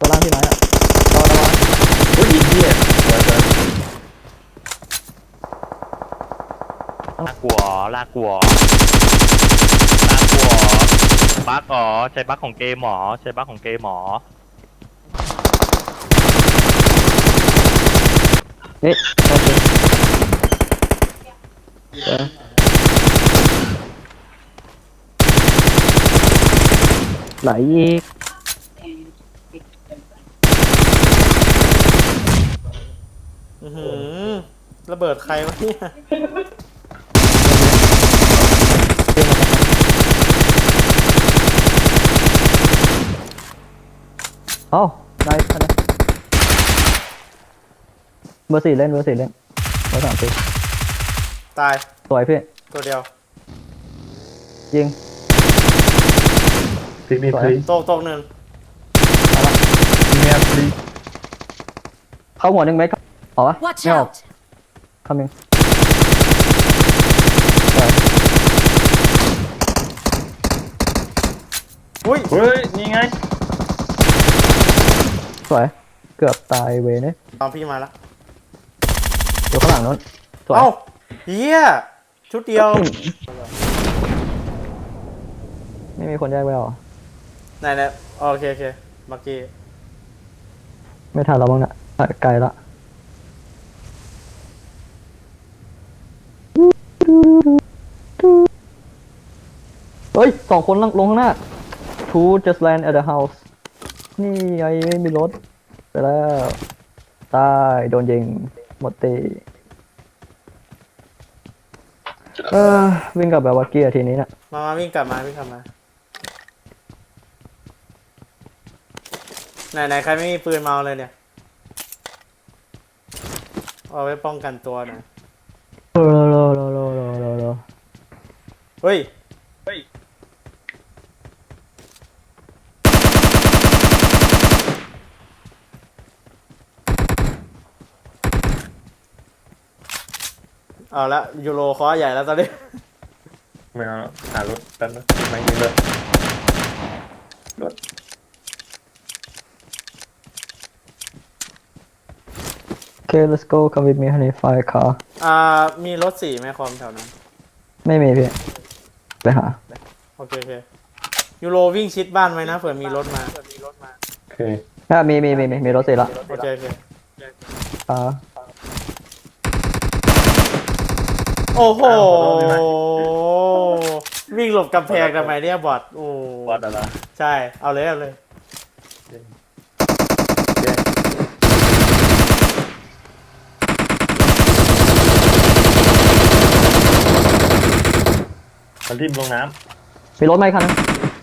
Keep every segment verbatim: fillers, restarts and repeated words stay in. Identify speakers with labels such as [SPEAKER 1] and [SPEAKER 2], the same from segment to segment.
[SPEAKER 1] ล่างพี่ไม้อะรอระวัง
[SPEAKER 2] อุ้ยยิงเหี้ยสวยสวย
[SPEAKER 3] ลากกลัวลากกลัวลากกลัวบั๊กหรอใช้บั๊กของเกมหมอใช้บั๊กของเกมหมอ
[SPEAKER 1] เอ๊ะโอเคเออไหลอีก
[SPEAKER 4] อือหือระเบิดใครวะเนี่ย
[SPEAKER 1] เอ้าได้ขนาดเบอร์สี่เล่นเบอร์สี่เล่นเบอร์สามสี่
[SPEAKER 4] ตาย
[SPEAKER 1] สวยพี่
[SPEAKER 4] ตัวเดียว
[SPEAKER 1] ยิง
[SPEAKER 2] ทีมีพลี
[SPEAKER 4] ตกตกหนึ่ง
[SPEAKER 2] ทีมีพลี
[SPEAKER 1] เข้าหัวหนึ่งเมตรเอาวะ
[SPEAKER 5] Watch
[SPEAKER 1] ไม่ออก
[SPEAKER 5] out!
[SPEAKER 1] คำหนึ่งสวย
[SPEAKER 4] อุ้ย
[SPEAKER 2] เฮ้ยนี่ไง
[SPEAKER 1] สวยเกือบตายเวเนี่ย
[SPEAKER 4] ตามพี่มาแล้ว
[SPEAKER 1] อยู่ข้างหลังนู้นสวย
[SPEAKER 4] เอ้าเฮียชุดเดียว
[SPEAKER 1] ไม่มีคนแยกไปหรอ
[SPEAKER 4] ไหนไหนโอเคโอเคเมื่อกี้
[SPEAKER 1] ไม่ทันแล้วบ้างน่ะไกลละเฮ้ยสองคนลงลงข้างหน้า two just land at the house นี่ไงไม่มีรถไปแล้วตายโดนยิงหมดตีเออวิ่งกลับแบบวักกี้อะทีนี้น่ะ
[SPEAKER 4] มามาวิ่งกลับมาวิ่งกลับมาไหนไหนใครไม่มีปืนมาเอาเลยเนี่ยเอาไว้ป้องกันตัวหน่อย
[SPEAKER 1] โลโลโลโลโลโลโล
[SPEAKER 4] เฮ้ยเอาละยูโรคอใหญ่แล้วตอนนี้
[SPEAKER 2] ไม่เอาแล้วหารถแป๊บนึงไม่ยิงเลยรถ
[SPEAKER 1] โอเค let's go come with me honey fire car
[SPEAKER 4] อ่ามีรถสี่ไหมคอมแถวนั้น
[SPEAKER 1] ไม่มีพี่ไปหา
[SPEAKER 4] โอเคโอเคยูโรวิ่งชิดบ้านไว้นะเผื่อมีรถมา
[SPEAKER 2] โอเค
[SPEAKER 1] อ่ะมีมีมีมีมีรถเสร็จละ
[SPEAKER 4] โอเคโอเค
[SPEAKER 1] อ่า
[SPEAKER 4] โอ้โหวิ่งหลบกำแพงทำไมเนี่ยบอทโอ้
[SPEAKER 2] วัดอะไร
[SPEAKER 4] ใช่เอาเลยเอาเลย
[SPEAKER 2] มันริมลงน้
[SPEAKER 1] มีรถไหมคันนึง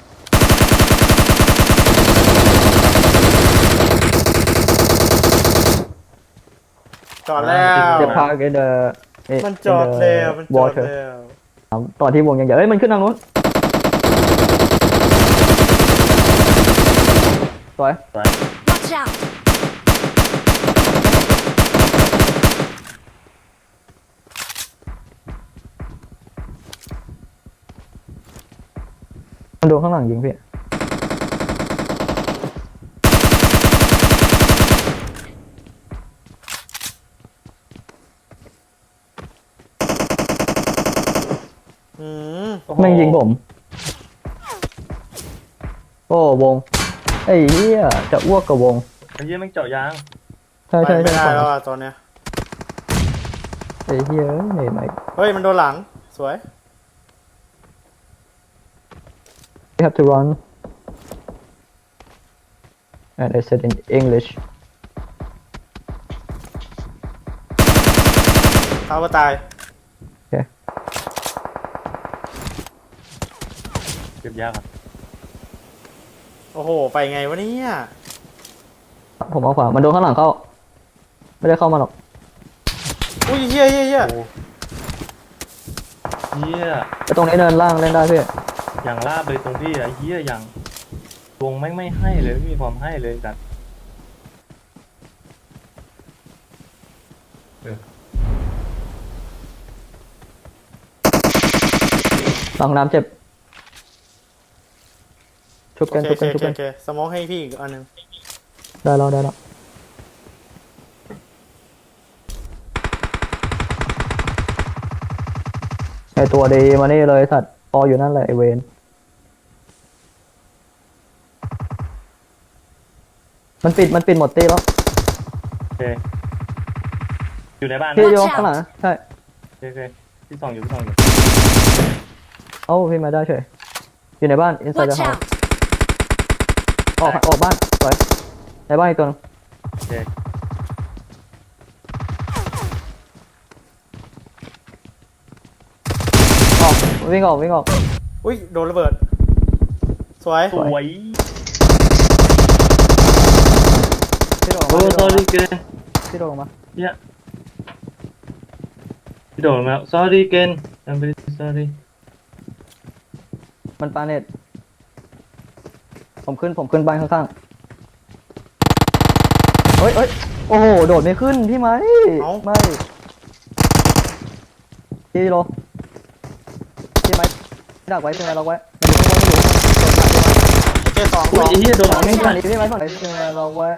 [SPEAKER 4] จอดแล้ว
[SPEAKER 1] เดี๋ยวพากันเดอ
[SPEAKER 4] มันจอดแล้วมันจอดแล้ว
[SPEAKER 1] ตอนที่วงยังใหญ่เอ้ยมันขึ้นทางนู้นสวย
[SPEAKER 2] ำไป
[SPEAKER 5] Watch out!
[SPEAKER 1] มันโดนข้างหลังยิงพี่
[SPEAKER 4] อืม
[SPEAKER 1] แม่งยิงผมโอ้วงไอ้เหี้ยจะอ้วกกับวง
[SPEAKER 2] ไอ้เหี้ยแม่งเจาะยาง
[SPEAKER 1] ใช่
[SPEAKER 4] ไป
[SPEAKER 1] ใช่
[SPEAKER 4] ไม่
[SPEAKER 1] ใช่
[SPEAKER 4] ได้แล้วอ่ะตอนเนี้ย
[SPEAKER 1] ไอ้เหี้ยเหนื่อยไหม
[SPEAKER 4] เฮ้ยมันโดนหลังสวย
[SPEAKER 1] We have to run and I said in English
[SPEAKER 4] เขาก็ตาย
[SPEAKER 1] โอเค
[SPEAKER 2] เก็บยากอ่ะ
[SPEAKER 4] โอ้โหไปไงวะเนี่ย
[SPEAKER 1] ผมเอาขวามันโดนข้างหลังเข้าไม่ได้เข้ามาหรอก
[SPEAKER 4] อุ้ยเฮียเฮียเฮีย
[SPEAKER 2] โอ้เหี้ย
[SPEAKER 1] ไอ้ตรงนี้เนินล่างเล่นได้พี่
[SPEAKER 2] อย่างลาบเลยตรงที่ไอ้เหี้ยอย่างวงแม่งไม่ให้เลยไม่มีความให้เลยกัน
[SPEAKER 1] หลังน้ำเจ็บชุบ
[SPEAKER 4] โอ
[SPEAKER 1] กัน
[SPEAKER 4] เค
[SPEAKER 1] ชุ
[SPEAKER 4] โอบ เค
[SPEAKER 1] กัน
[SPEAKER 4] โอ
[SPEAKER 1] ชุบ
[SPEAKER 4] เค
[SPEAKER 1] กัน
[SPEAKER 4] โอเคสมองให้พี่อีกอันหนึ่ง
[SPEAKER 1] ได้แล้วได้แล้วไอตัวดีมานี่เลยสัตว์ปออยู่นั่นแหละไอเวนมันปิดมันปิดหมดตีแล้ว
[SPEAKER 2] โอเคอยู่ในบ้านนะ
[SPEAKER 1] พี่โยข้างหลังนะใช่
[SPEAKER 2] โอเคโอเคที่สองอยู่ที่สองอยู่
[SPEAKER 1] เอ้าพี่มาได้เฉยอยู่ในบ้าน inside the
[SPEAKER 5] Watch
[SPEAKER 1] house
[SPEAKER 5] out!
[SPEAKER 1] ออกออกบ้านสวยในบ้านอีกตัวนึง
[SPEAKER 2] โอเค
[SPEAKER 1] ออกวิ่งออกวิ่งออก
[SPEAKER 4] อุ้ยโดนระเบิด สวย
[SPEAKER 2] สวย
[SPEAKER 1] พี่โดดออก
[SPEAKER 2] โอ้
[SPEAKER 1] มา
[SPEAKER 2] sorry เกน
[SPEAKER 1] พี่โดดออกมา
[SPEAKER 2] เนี่ยพี่โดดมา sorry เกน I'm very sorry
[SPEAKER 1] มันปาเน็ตผมขึ้นผมขึ้นบ้านข้างๆเฮ้ยเฮ้ยโอ้โหโดดไม่ขึ้นพี่ไหม
[SPEAKER 4] เอ้า
[SPEAKER 1] ไม่พี่โลพี่ไหมดักไว้พี่ไหมล็อกไว้มันอยู่ข้างบนมันอยู่
[SPEAKER 4] โอเคสองส
[SPEAKER 2] อุ้ย
[SPEAKER 4] อง
[SPEAKER 2] ไอ้เหี้ยโดนหลัง
[SPEAKER 1] ไม่
[SPEAKER 2] ไม่
[SPEAKER 1] ทั
[SPEAKER 2] ทั
[SPEAKER 1] น
[SPEAKER 2] น
[SPEAKER 1] พี่ไหมฝั่งไหนพี่ไหมล็อกไว้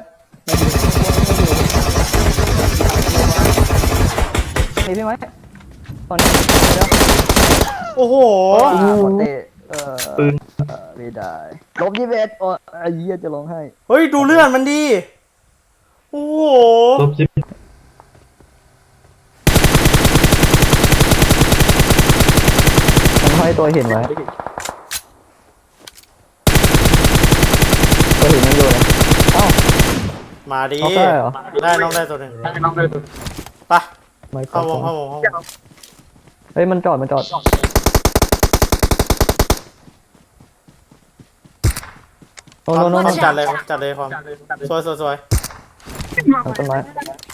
[SPEAKER 1] นี่พี่ไหมฝั่งนี้เดี๋ยว
[SPEAKER 4] โอ้โห
[SPEAKER 1] อ่าขอเตะเออ
[SPEAKER 2] ปืน
[SPEAKER 1] เออไม่ได้ลบยี่สิบเอ็ดโอ้ยไอ้เหี้ยจะร้องไห้
[SPEAKER 4] เฮ้ย ดูเลื่อนมันดี โอ้โห
[SPEAKER 2] ลบสิบ
[SPEAKER 1] มันห้อยตัวหินไว้ตัวหินมันอยู่เลยเอ้า
[SPEAKER 4] มาดี
[SPEAKER 1] เอาได้เหรอ
[SPEAKER 4] ได้น้องได้ตัวหนึ่งไป
[SPEAKER 1] ไม่
[SPEAKER 4] เข้าวง
[SPEAKER 1] เข้า
[SPEAKER 4] เข้าวงเข้าวง
[SPEAKER 1] เฮ้ยมันจอดมันจอดโน่นโน่นโน่น
[SPEAKER 4] ความจัดเลยจัดเลยความสวยสวยสวย
[SPEAKER 1] ทางต้นไม้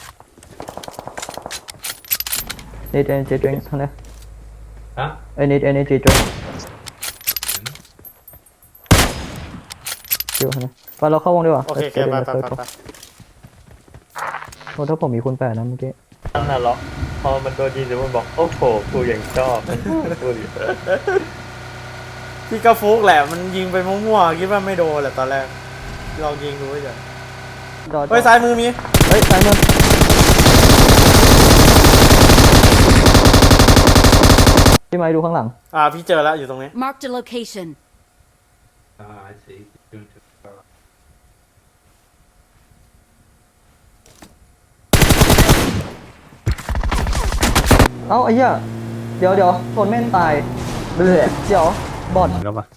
[SPEAKER 1] นี่ energy drink ทางนี้
[SPEAKER 2] ฮะ
[SPEAKER 1] ไอ้ need energy drink อยู่ทางนี้ไปเราเข้าวงดีกว่า
[SPEAKER 4] โอเคโอเคไปไปไปไป
[SPEAKER 1] โอ้ถ้าผมมีคุณแปดนะเมื่อกี้
[SPEAKER 2] นั่นน่ะหรอพอมันโดนยิงเดี๋ยวมันบอกโอ้โหกูยังชอบพูดดิ
[SPEAKER 4] พี่ก็ฟุกแหละ มันยิงไปมั่วๆคิดว่าไม่โดนแหละตอนแรก ลองยิงดูเฉย
[SPEAKER 1] จอด
[SPEAKER 4] เฮ้ยซ้ายมือมี
[SPEAKER 1] เฮ้ยซ้ายมือพี่ไม้ดูข้างหลัง
[SPEAKER 4] อ่าพี่เจอแล้วอยู่ตรงนี้
[SPEAKER 5] Marked a location.
[SPEAKER 2] Ah, I see. Doing too far.
[SPEAKER 1] เอ้าไอ้เหี้ยเดี๋ยวเดี๋ยวโซนแม่นตายเบื่อเดี๋ยวบอด
[SPEAKER 2] แล้วปะ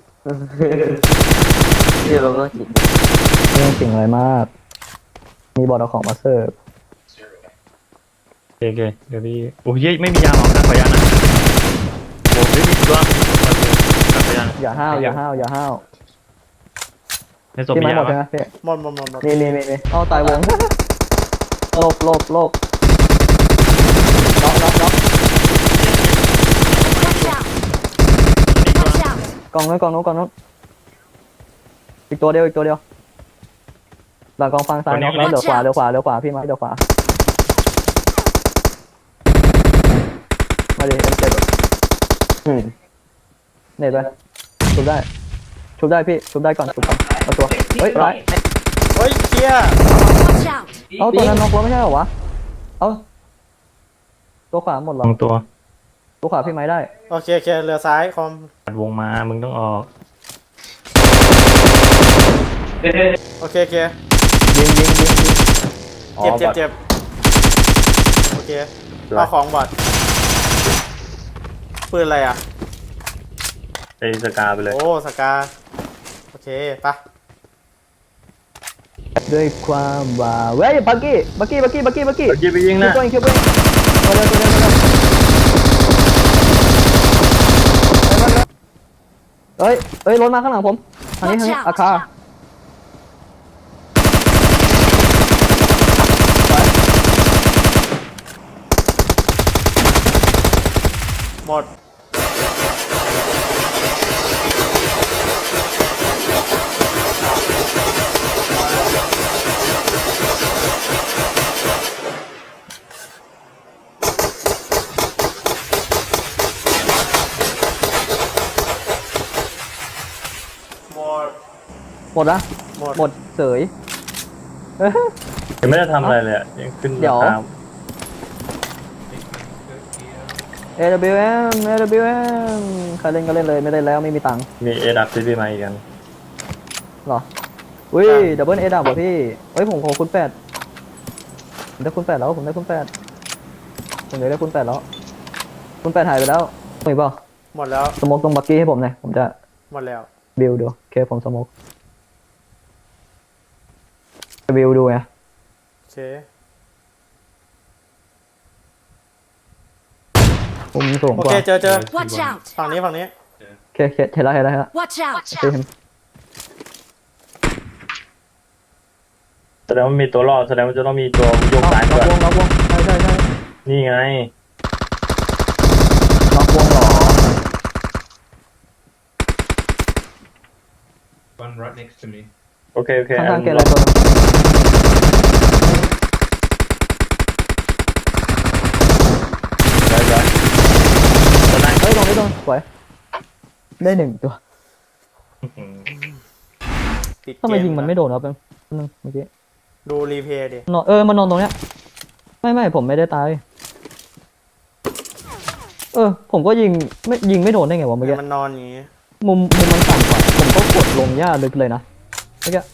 [SPEAKER 1] เดี๋ยวเราก็คิดไม่ต้องสิ่งอะไรมาก มีบอดเอาของมาเสิร์ฟ
[SPEAKER 2] โอเคโอเคเดี๋ยวพี่โอ้ยไม่มียาหรอกนะขอยานะ
[SPEAKER 3] โอ้ไม่มีตัวกันไปยัง
[SPEAKER 1] อย่าห้าวอย่าห้าวอย่าห้าว
[SPEAKER 2] ในศพ
[SPEAKER 1] พี่
[SPEAKER 2] มี
[SPEAKER 1] ไม้
[SPEAKER 2] ยา
[SPEAKER 1] หมด
[SPEAKER 2] ปะ
[SPEAKER 1] ใช่ไหมพี่
[SPEAKER 4] หมดหมดหมดหมด
[SPEAKER 1] มีมีมีมีเอาตายวงโลกโลกโลกล็อกล็อกล็อก
[SPEAKER 5] Watch out! Watch out!
[SPEAKER 1] กล่องนู้นกล่องนู้นกล่องนู้นอีกตัวเดียวอีกตัวเดียวหลังกองฟังซ้ายน็อกแล้วเดี๋ยวขวาเดี๋ยวขวาเดี๋ยวขวาพี่ไม้เดี๋ยวขวามาดิเอ็มเจ็ดอืมเน็ตไปชุบได้ชุบได้พี่ชุบได้ก่อนชุบก่อนเอาตัวเฮ้ยร้าย
[SPEAKER 4] เฮ้ยเคลียร์
[SPEAKER 5] Watch out!
[SPEAKER 1] เอาตัวนั้นน็อกแล้วไม่ใช่เหรอวะเอาตัวขวาหมดเหร
[SPEAKER 2] ส
[SPEAKER 1] อ
[SPEAKER 2] องตัว
[SPEAKER 1] ตัวขวาพี่ไม้ได้
[SPEAKER 4] โอเคโอเคเหลือซ้ายคอม
[SPEAKER 2] ตัดวงมามึงต้องออก
[SPEAKER 4] โอเคโอเค
[SPEAKER 1] ยิงยิงยิงยิง
[SPEAKER 4] เจ็บเจ็บเจ็บโอเคเอาของบอดปืนอะไรอ่ะ
[SPEAKER 2] ไอ้สกาไปเลย
[SPEAKER 4] โอ้สกา โอเคไปะ
[SPEAKER 1] ด้วยความว่าเว้ยบักกี้บักกี้บักกี้บักกี้บักกี้
[SPEAKER 2] ยิงไปยิง
[SPEAKER 1] คิว
[SPEAKER 2] นะ
[SPEAKER 1] ตัวเองคิวตัวเองมาเร็วตัวเร็วมาเร็วเฮ้ยเฮ้ยรถมาข้างหลังผมทางนี้ทางนี้
[SPEAKER 5] Watch out
[SPEAKER 1] อาคา
[SPEAKER 4] หมด หมด
[SPEAKER 1] หมดนะ
[SPEAKER 4] หมด
[SPEAKER 1] หมดเสย
[SPEAKER 2] ยังไม่ได้ทำอะไรเลยอะยังขึ้น
[SPEAKER 1] เดี๋ยว
[SPEAKER 2] ราคา
[SPEAKER 1] เอ ดับเบิลยู เอ็ม เอ ดับเบิลยู เอ็ม ใครเล่นก็เล่นเลยไม่ได้แล้วไม่มีตังค์
[SPEAKER 2] มีเอดับซีบีมาอีกกัน
[SPEAKER 1] เหรออุ้ยดับเบิลเอดับเหรอพี่เฮ้ยผมขอคุณแปดผมได้คุณแปดแล้วผมได้คุณแปดผมอยากได้คุณแปดแล้วคุณแปดหายไปแล้วมีเปล่า
[SPEAKER 4] หมดแล้ว
[SPEAKER 1] สโมกตรงบักกี้ให้ผมหน่อยผมจะ
[SPEAKER 4] หมดแล้ว
[SPEAKER 1] บิลดูโอเคผมสโมกบิลดูไง
[SPEAKER 4] โอเค
[SPEAKER 1] ผมสูง
[SPEAKER 4] โอก
[SPEAKER 1] ว่า
[SPEAKER 4] เคเจอเจอ
[SPEAKER 5] Watch out!
[SPEAKER 4] ฝั่งนี้ฝั่งนี้
[SPEAKER 1] โอเคโอเคเห็นแล้วเห็นแล้วเห็นแล้ว
[SPEAKER 5] Watch out!
[SPEAKER 1] ตีเห็น
[SPEAKER 2] แสดงว่ามีตัวรอดแสดงว่าจะต้องมีตัวโยกซ้าย
[SPEAKER 1] ล็
[SPEAKER 2] ก่
[SPEAKER 1] อ
[SPEAKER 2] อก น
[SPEAKER 1] วงล็อกวงใช่ใช่ใช่
[SPEAKER 2] นี่ไง
[SPEAKER 1] ล็อกวงเหรอ
[SPEAKER 6] One right next to me.
[SPEAKER 2] โอเคโอเค
[SPEAKER 1] ข้างๆเก
[SPEAKER 2] แอ
[SPEAKER 1] ณ
[SPEAKER 2] น
[SPEAKER 1] ฑ์อะไรตัวนึงเฮ้ยตรงนี้ตรงสวยได้หนึ่งตัว
[SPEAKER 4] ปิด
[SPEAKER 1] ทำไม
[SPEAKER 4] เก
[SPEAKER 1] ยิงมันไม่โดนวะเป็นนึงเมื่อกี้
[SPEAKER 4] ดูรีเพย์ดิ
[SPEAKER 1] นอนเออมันนอนตรงเนี้ยไม่ไม่ผมไม่ได้ตายเออผมก็ยิงไม่ยิงไม่โดนได้ไงวะเมื่อกี้
[SPEAKER 4] มันนอนอย่างงี้
[SPEAKER 1] มุมมุมมันต่ำกว่าผมก็กดลงหญ้าลึกเลยนะเมื่อกี้